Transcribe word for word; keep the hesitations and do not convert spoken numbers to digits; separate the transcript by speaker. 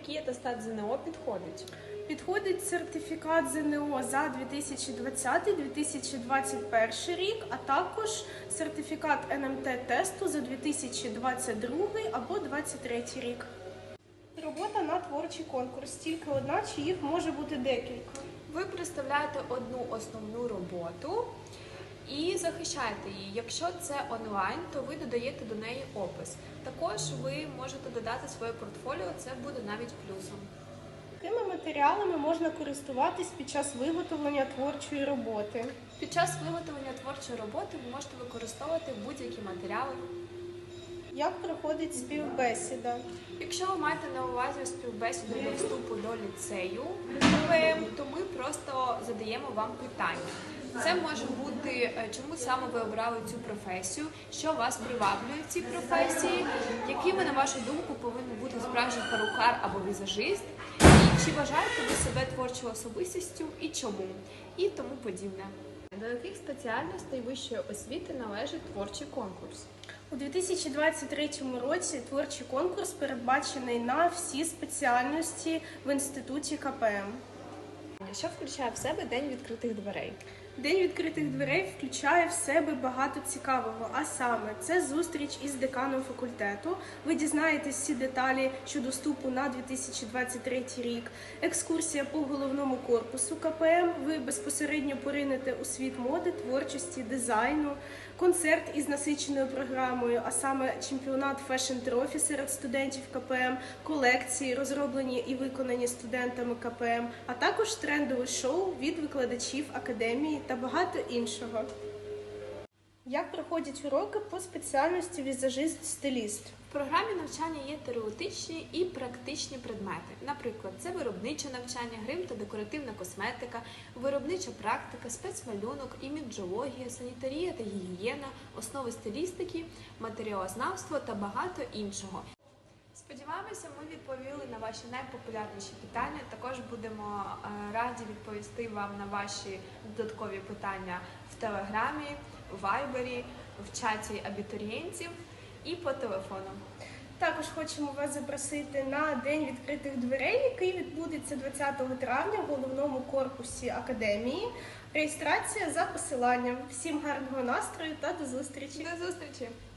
Speaker 1: який атестат ЗНО підходить?
Speaker 2: Підходить сертифікат ЗНО за дві тисячі двадцятий - дві тисячі двадцять перший рік, а також сертифікат ен ем те тесту за дві тисячі двадцять другий або двадцять третій рік. Робота на творчий конкурс. Тільки одна, чи їх може бути декілька?
Speaker 1: Ви представляєте одну основну роботу і захищаєте її. Якщо це онлайн, то ви додаєте до неї опис. Також ви можете додати своє портфоліо, це буде навіть плюсом.
Speaker 2: Якими матеріалами можна користуватись під час виготовлення творчої роботи?
Speaker 1: Під час виготовлення творчої роботи ви можете використовувати будь-які матеріали.
Speaker 2: Як проходить співбесіда?
Speaker 1: Якщо ви маєте на увазі співбесіду до вступу до ліцею ка пе ем, то ми просто задаємо вам питання. Це може бути, чому саме ви обрали цю професію, що вас приваблює в цій професії, якими, на вашу думку, повинен бути справжній перукар або візажист, і чи вважаєте ви себе творчою особистістю і чому, і тому подібне. До яких спеціальностей вищої освіти належить творчий конкурс?
Speaker 2: У дві тисячі двадцять третьому році творчий конкурс передбачений на всі спеціальності в інституті ка пе ем.
Speaker 1: Що включає в себе День відкритих дверей?
Speaker 2: День відкритих дверей включає в себе багато цікавого, а саме це зустріч із деканом факультету. Ви дізнаєтесь всі деталі щодо вступу на дві тисячі двадцять третій рік, екскурсія по головному корпусу ка пе ем, ви безпосередньо поринете у світ моди, творчості, дизайну, концерт із насиченою програмою, а саме чемпіонат фешн-трофі серед студентів ка пе ем, колекції, розроблені і виконані студентами ка пе ем, а також трендове шоу від викладачів академії та багато іншого. Як проходять уроки по спеціальності візажист-стиліст?
Speaker 1: В програмі навчання є теоретичні і практичні предмети. Наприклад, це виробниче навчання, грим та декоративна косметика, виробнича практика, спецмалюнок, іміджологія, санітарія та гігієна, основи стилістики, матеріалознавство та багато іншого. Сподіваємося, ми відповіли на ваші найпопулярніші питання. Також будемо раді відповісти вам на ваші додаткові питання в Телеграмі, в Вайбері, в чаті абітурієнтів і по телефону.
Speaker 2: Також хочемо вас запросити на День відкритих дверей, який відбудеться двадцятого травня в головному корпусі академії. Реєстрація за посиланням. Всім гарного настрою та до зустрічі!
Speaker 1: До зустрічі!